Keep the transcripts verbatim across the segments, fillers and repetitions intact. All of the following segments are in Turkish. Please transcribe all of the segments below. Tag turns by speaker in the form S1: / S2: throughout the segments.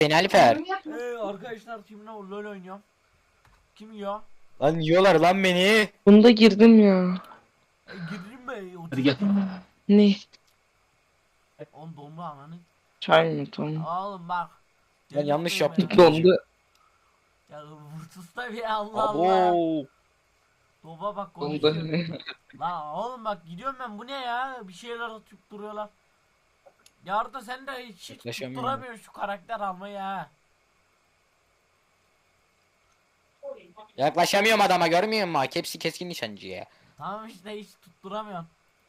S1: Beni Alper.
S2: Ee, arkadaşlar kimle LoL oynuyorum? Kim yiyor?
S1: Lan yiyorlar lan beni.
S3: Bunda girdim ya.
S2: E, gireyim mi?
S1: Hadi gel.
S3: Ne?
S2: On dondu ananı.
S3: Çay mı tamam.
S2: Oğlum bak.
S1: Ben yanlış
S2: Delirtmeyin
S1: yaptım.
S2: beni.
S3: Dondu.
S2: Ya vurtus da bir Allah Allah.
S1: Abo.
S2: Doba bak
S3: Dondu.
S2: konuşuyor. Lan oğlum bak gidiyorum ben, bu ne ya? Bir şeyler atıp duruyorlar. Ya Arda sen de hiç, hiç
S1: Yaklaşamıyorum.
S2: tutturamıyorsun şu karakter almayı ha.
S1: Yaklaşamıyorum adama, görmüyor musun? Hepsi keskin nişancı ya.
S2: Tamam işte hiç tutturamıyorum.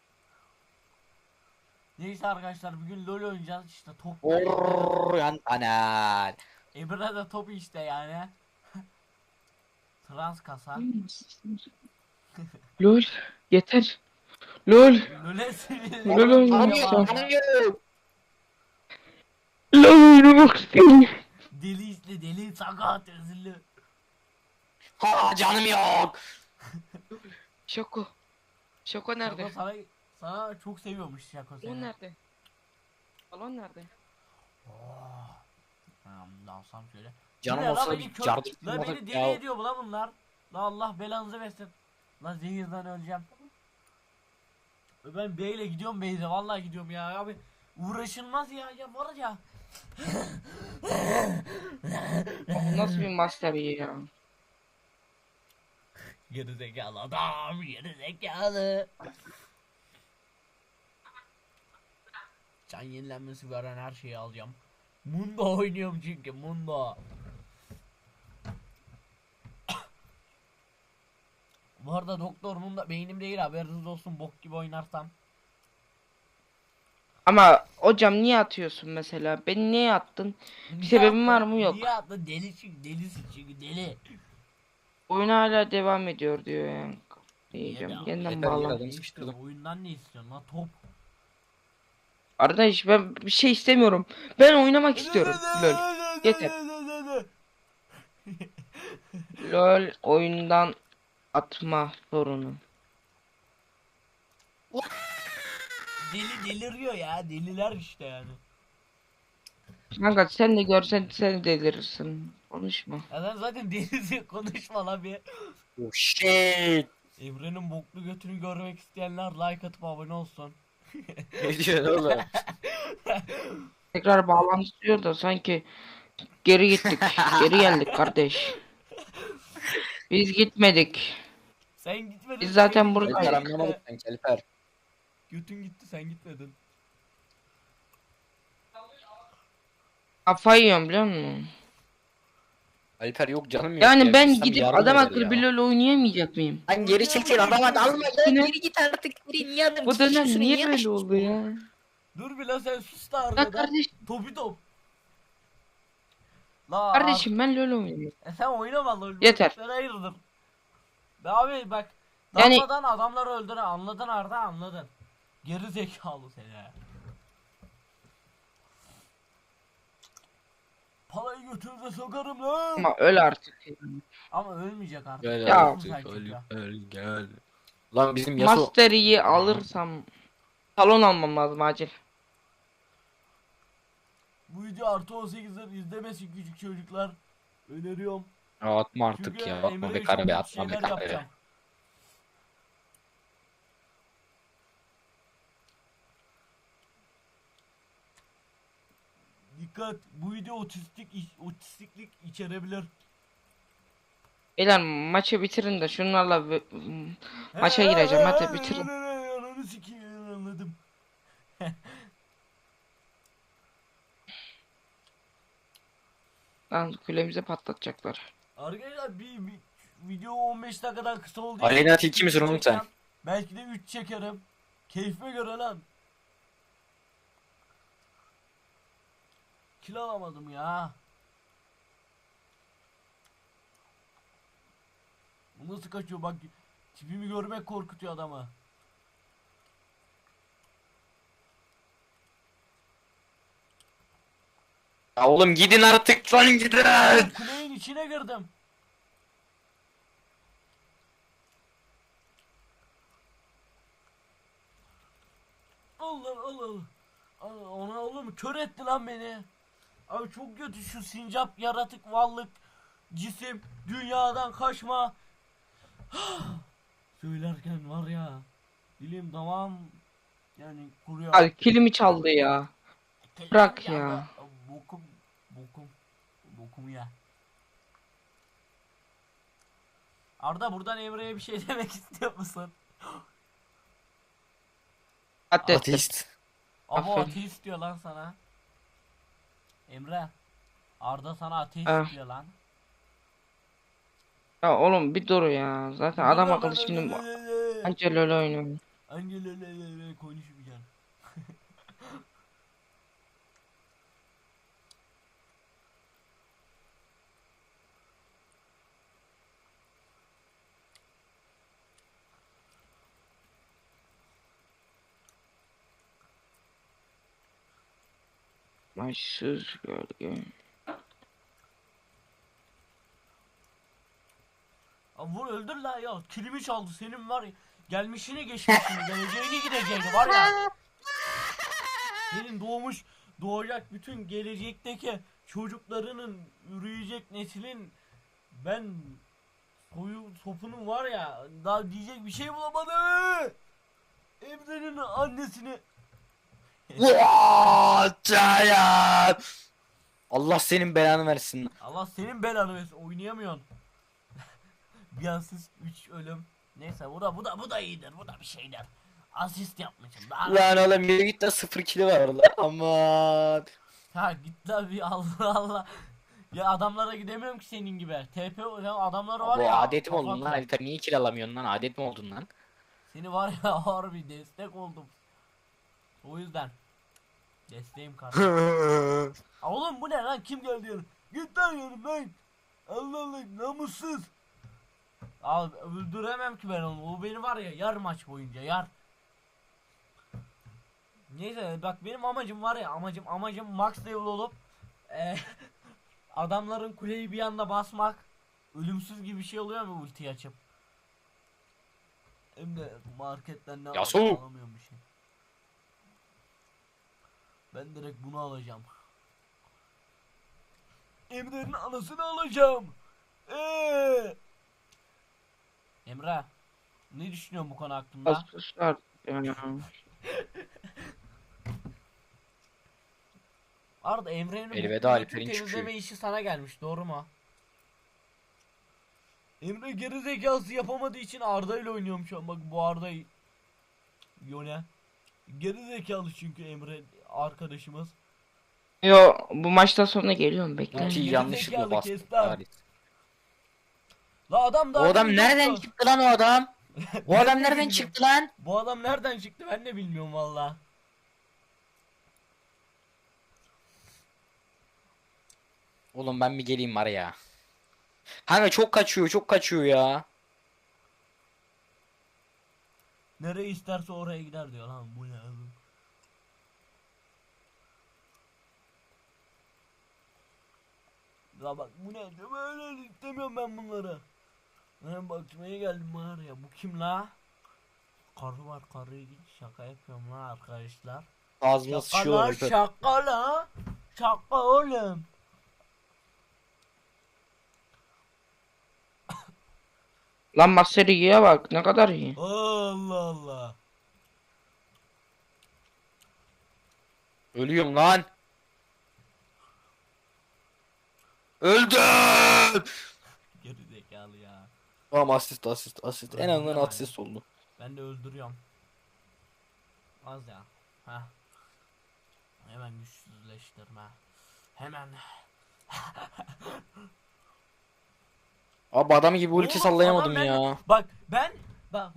S2: Neyse arkadaşlar bugün LoL oynayacağız işte top.
S1: Orr yan anan.
S2: Emre de top işte yani. Trans kasa.
S3: Lol. Yeter. Lol.
S2: LoL'e sinirli.
S3: LoL oynamış
S1: Tanıyor,
S3: ya.
S1: tanıyor.
S3: Lol oynamak istiyorum.
S2: Deli işte deli sakat özürlü.
S1: Ha canım yok.
S3: Şoko. Şoko nerede?
S2: Şako sana, sana çok seviyormuş Şako
S3: Balon
S2: seni.
S3: nerede? Balon nerede?
S2: Oh. Tamam dalsam şöyle.
S1: Canım
S2: Bu ne
S1: olsa
S2: lan,
S1: bir
S2: beni kör-
S1: cardı.
S2: La beni deli
S1: Ya.
S2: ediyor bu la bunlar. La Allah belanızı versin. La zehirden öleceğim. Ben beyle gidiyorum beyle vallahi gidiyorum ya abi. Uğraşılmaz ya ya var ya.
S3: Bu nasıl bir master ya?
S2: Geri zekalı adam, geri zekalı. Can yenilenmesi veren her şeyi alacağım. Mundo oynuyorum çünkü Mundo. Bu arada Doktor Mundo beynim değil, haberiniz olsun, bok gibi oynarsam.
S3: Ama hocam niye atıyorsun mesela? Beni niye attın? Bir sebebin var mı? Yok.
S2: Niye attın? Deli çünkü, delisin çünkü deli.
S3: Oyun hala devam ediyor diyor yani. Diyeceğim.
S2: Ya,
S3: Yeniden
S1: yeter,
S3: bağlan.
S1: yeter.
S2: Ne istiyorsun? Oyundan ne istiyorsun lan, top?
S3: Arkadaş ben bir şey istemiyorum. Ben oynamak istiyorum. Lol. Yeter. Lol oyundan atma sorunu.
S2: Deli deliriyor ya, deliler işte yani.
S3: Kanka sen de görsen sen delirirsin. Konuşma.
S2: Ya sen zaten delisin, konuşma lan bir.
S1: Oh shit.
S2: Emre'nin boklu götünü görmek isteyenler like atıp abone olsun.
S1: Ne diyorsun oğlum?
S3: Tekrar bağlantı diyor da sanki geri gittik. Geri geldik kardeş. Biz gitmedik.
S2: Sen gitmedin.
S3: Biz zaten
S2: sen
S3: buradayız.
S1: Alper
S2: gitmedin.
S1: anlamadık sanki Alper.
S2: Götün gitti, sen gitmedin.
S3: Kafayı yiyorum biliyor musun?
S1: Alper yok canım yok
S3: Yani
S1: ya.
S3: ben
S1: Gitsem
S3: gidip
S1: yardım
S3: adam
S1: eder
S3: akıllı
S1: ya.
S3: bir LoL oynayamayacak mıyım?
S1: Lan geri çekil adama dalma ya.
S3: Yine-
S1: Geri git artık. Geri niye adam
S3: Bu dönem
S1: tutuyorsun,
S3: niye böyle
S1: açtın?
S3: oldu ya?
S2: Dur bir la, sen sus da
S3: Ya
S2: arkada.
S3: kardeş,
S2: Topi top. La
S3: kardeşim ben LoL oynuyorum.
S2: E sen oynama lan.
S3: Yeter.
S2: Sen hayırdır. Be abi bak.
S3: Yani-
S2: Dalmadan adamları öldüren, anladın Arda, anladın. Geri zekalı seni. Parayı götürde sokarım lan.
S3: Ama öl artık.
S2: Ama ölmeyecek artık.
S1: Gel
S3: Ya.
S1: artık
S2: Sanki
S1: öl,
S2: ya.
S1: öl gel. Lan bizim Yasuo.
S3: Mastery'i alırsam salon almam lazım acil.
S2: Bu video artı on sekizler izlemesin küçük çocuklar. Öneriyorum.
S1: Ya atma artık
S2: Çünkü
S1: ya. Atma
S2: Emre'ye
S1: be
S2: çok
S1: karabe,
S2: kötü
S1: atma be
S2: şeyler
S1: karabe.
S2: yapacağım. Dikkat, bu video otistik otistiklik içerebilir.
S3: Beyler maçı bitirin de şunlarla bir- maça gireceğim, hadi bitirin.
S2: Ananı sikeyim, anladım.
S3: Lan kulemize patlatacaklar.
S2: Arkadaşlar bir, bir video on beş dakikadan kısa oldu.
S1: Aleyna tilki misin oğlum sen?
S2: Belki de üç çekerim. Keyfime göre lan. Kilo alamadım ya. Bu nasıl kaçıyor bak. Tipimi görmek korkutuyor adamı.
S1: Ya oğlum gidin artık lan gidin.
S2: Kuleyin içine girdim. Allah Allah. Allah, ona oğlum kör etti lan beni. Abi çok kötü şu sincap yaratık varlık cisim dünyadan kaçma. Söylerken var ya dilim tamam yani kuruyor.
S3: Abi kilimi çaldı ya. Bırak ya.
S2: da- Bokum bokum bokum ya. Arda buradan Emre'ye bir şey demek istiyor musun?
S3: Ateist.
S1: Ateist.
S2: Abo
S3: Aferin.
S2: ateist diyor lan sana. Emre. Arda sana ateist
S3: Ah.
S2: diyor lan.
S3: Ya oğlum bir dur ya. Zaten adam akıllı şimdi anca LoL oynuyor.
S2: Angelele konuşmayacaksın.
S3: Başsız gölge.
S2: Abi vur öldür la ya. Kilimi çaldı senin var ya. Gelmişini geçmişini geleceğini gideceğini var ya. Senin doğmuş doğacak bütün gelecekteki çocuklarının üreyecek neslin ben soyu sopunun var ya daha diyecek bir şey bulamadı. Emre'nin annesini
S1: What? Allah senin belanı versin.
S2: Allah senin belanı versin oynayamıyorsun. Bir asist üç ölüm. Neyse bu da bu da bu da iyidir. Bu da bir şeydir. Asist yapmışım. Daha
S1: Lan oğlum yürü git de sıfır kili var orada. Aman.
S2: ha git la bir Allah Allah. Ya adamlara gidemiyorum ki senin gibi. T P ya adamlar var
S1: Bu
S2: ya.
S1: adetim oldun
S2: kafam-
S1: lan Alper, niye kill alamıyorsun lan, adet mi oldun lan?
S2: Seni var ya harbi destek oldum. O yüzden. Desteğim kardeşim. Aa, oğlum bu ne lan kim geldi yanım? Git lan yanımdan. Allah Allah namussuz. Abi öldüremem ki ben onu. O beni var ya yar maç boyunca yar. Neyse bak benim amacım var ya amacım amacım max level olup e, adamların kuleyi bir anda basmak. Ölümsüz gibi bir şey oluyor mu ultiyi açıp? Hem de marketten ne
S1: Yasuo.
S2: alamıyorum, alamıyorum bir şey. Ben direkt bunu alacağım. Emre'nin anasını alacağım. Eee. Emre, ne düşünüyorsun bu konu hakkında?
S3: Basmışlar ya.
S2: Arda Emre'nin
S1: Elveda
S2: bu
S1: Alper'in
S2: bütün temizleme
S1: çıkışı.
S2: işi sana gelmiş, doğru mu? Emre geri zekası yapamadığı için Arda ile oynuyorum şu an. Bak bu Arda Yone. Geri zekalı çünkü Emre arkadaşımız.
S3: Yo bu maçtan sonra geliyorum bekle.
S1: Ultiyi
S2: geri
S1: yanlışlıkla
S2: zekalı
S1: bastım.
S2: kes lan.
S1: Halit.
S2: La adam
S1: O
S2: daha
S1: adam
S2: demin
S1: nereden
S2: yoktu.
S1: çıktı lan o adam? O
S2: Ben
S1: adam
S2: de
S1: nereden
S2: bilmiyorum.
S1: çıktı lan?
S2: Bu adam nereden çıktı ben de bilmiyorum valla.
S1: Oğlum ben bir geleyim var ya. Kanka çok kaçıyor, çok kaçıyor ya.
S2: Nereye isterse oraya gider diyor lan bu ne oğlum. Ya bak bu ne diyor böyle istemiyorum ben bunları. Ben bakmaya geldim var ya bu kim la? Karı var karıya git şaka yapıyorum lan arkadaşlar.
S1: Ağzıma
S2: Şaka
S1: sıçıyorlar
S2: la
S1: Alper.
S2: şaka la. Şaka oğlum.
S3: Lan Master Yi'ye bak ne kadar iyi.
S2: Allah Allah.
S1: Ölüyorum lan. Öldüm.
S2: Geri zekalı ya.
S1: Tamam, asist asist asist. En
S2: Öldüm
S1: azından
S2: yani.
S1: asist oldu.
S2: Ben de öldürüyorum. Az ya. Ha. Hemen güçsüzleştirme. Hemen.
S1: Abi adam gibi ulti
S2: Oğlum,
S1: sallayamadım
S2: adam ben-
S1: ya.
S2: Bak ben bak.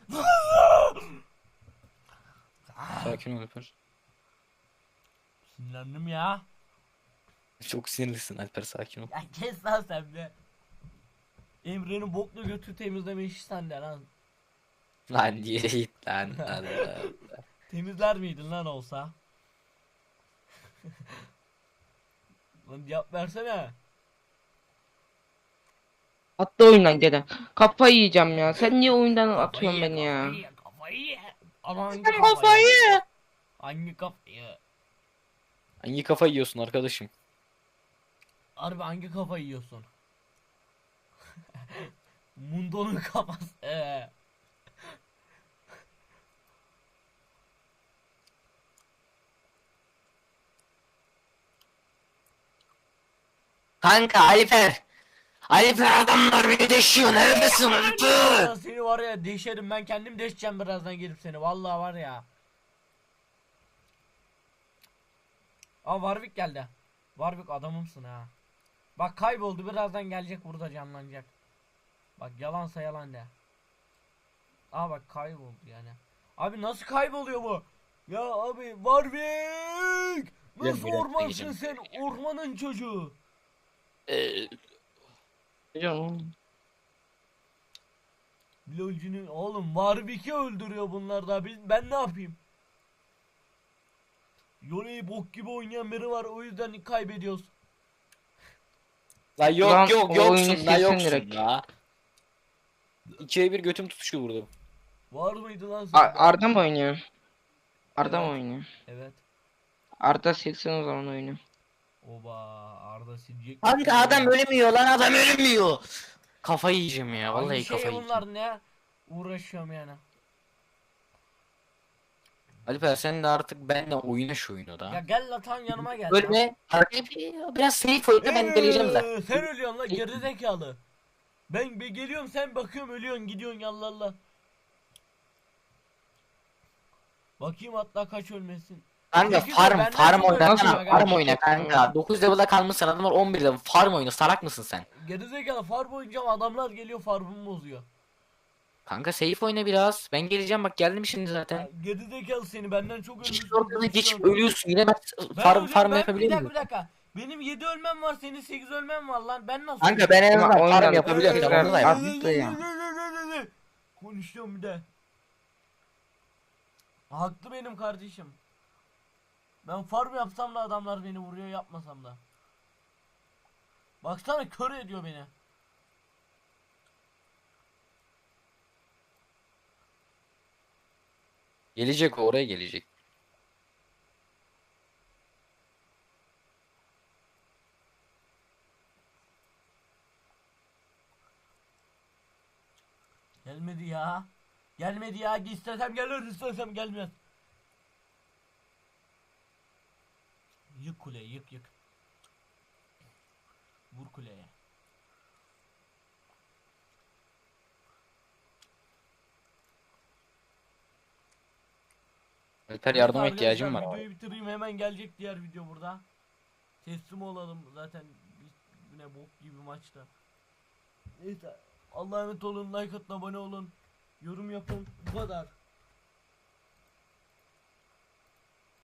S1: Sakin ol Alper.
S2: Sinirlendim ya.
S1: Çok sinirlisin Alper, sakin ol.
S2: Ya kes lan sen be. Emre'nin bokla götü temizleme işi sende lan.
S1: Lan diye git lan. Allah.
S2: Temizler miydin lan olsa? Lan cevap versene.
S3: Atla oyundan dede. Kafayı yiyeceğim ya. Sen niye oyundan atıyorsun
S2: Kafayı
S3: beni
S2: ye,
S3: ya?
S2: Kafayı ye, kafayı ye. Ama hangi
S1: Sen
S2: kafayı?
S1: kafayı.
S2: Hangi kafayı?
S1: Hangi kafa yiyorsun arkadaşım?
S2: Harbi hangi kafayı yiyorsun? Mundo'nun kafası. Ee.
S1: Kanka Alper. Alper adamlar beni deşiyor. Neredesin Alper?
S2: Ya seni var ya deşerim, ben kendim deşeceğim birazdan gelip seni. Vallahi var ya. Aa Warwick geldi. Warwick adamımsın ha. Bak kayboldu, birazdan gelecek, burada canlanacak. Bak yalansa yalan de. Aa bak kayboldu yani. Abi nasıl kayboluyor bu? Ya abi Warwick! Nasıl
S1: Gel, gel,
S2: ormansın
S1: gel.
S2: sen? Ormanın çocuğu.
S1: Ee,
S3: Canım.
S2: Lolcunun oğlum Warwick'i öldürüyor bunlar da. Biz, ben ne yapayım? Yone'yi bok gibi oynayan biri var, o yüzden kaybediyoruz.
S1: La yok
S3: Ulan
S1: yok
S3: o
S1: yoksun
S3: oyunu
S1: la
S3: silsin
S1: yoksun
S3: direkt.
S1: la. İkiye bir götüm tutuştu burada.
S2: Var mıydı lan
S3: A-
S2: sen?
S3: Arda mı oynuyor? Arda mı
S2: Evet.
S3: oynuyor?
S2: Evet.
S3: Arda silsin o zaman oyunu.
S2: Oba Arda silecek.
S1: Kanka adam ölmüyor lan, adam ölmüyor. Kafayı yiyeceğim ya, vallahi
S2: Hangi şey
S1: kafayı yiyeceğim.
S2: bunlar ne? Uğraşıyorum yani.
S1: Alper sen de artık benimle oyna şu oyunu
S2: Ya
S1: da.
S2: gel la tam yanıma gel.
S1: Ölme. Hareket biraz safe oyna, ben geleceğim zaten.
S2: Eee, sen ölüyorsun la gerizekalı. Ben be geliyorum, sen bakıyorum ölüyorsun gidiyorsun yallah Allah. Bakayım hatta kaç ölmesin.
S1: Kanka
S2: Peki,
S1: farm
S2: benden
S1: farm
S2: çok
S1: oyna
S3: Nasıl-
S1: kanka, farm oyna kanka. dokuz level'da kalmışsın, adamlar on bir level. Farm oyna, salak mısın sen?
S2: Gerizekalı farm oynayacağım, adamlar geliyor farmımı bozuyor.
S1: Kanka safe oyna biraz. Ben geleceğim, bak geldim şimdi
S2: Ya,
S1: zaten.
S2: gerizekalı seni, benden çok
S1: Hiç
S2: ölmüşsün.
S1: ortadan geçip ölüyorsun yine, ben
S2: Ben
S1: farm
S2: ölüyorum,
S1: farm
S2: ben-
S1: yapabilir
S2: bir dakika
S1: miyim?
S2: bir dakika. Benim yedi ölmem var, senin sekiz ölmem var lan. Ben nasıl
S1: Kanka ben en
S3: Ama
S1: azından
S3: oyundan
S1: farm yapabiliyorum.
S3: tekrar
S1: Onu da yap.
S3: attı ya.
S2: Konuşuyorum bir de. Haklı benim kardeşim. Ben farm yapsam da adamlar beni vuruyor, yapmasam da. Baksana kör ediyor beni.
S1: Gelecek, o oraya gelecek.
S2: Gelmedi ya. Gelmedi ya. İstesem gelir, istesem gelmez. Yık kuleyi, yık yık. Vur kuleye.
S1: Alper yardıma
S2: Neyse
S1: ihtiyacım
S2: arkadaşlar,
S1: var.
S2: videoyu bitireyim, hemen gelecek diğer video burada. Teslim olalım zaten, bir- yine bok gibi maçta. Neyse Allah'a emanet olun, like atın, abone olun, yorum yapın, bu kadar.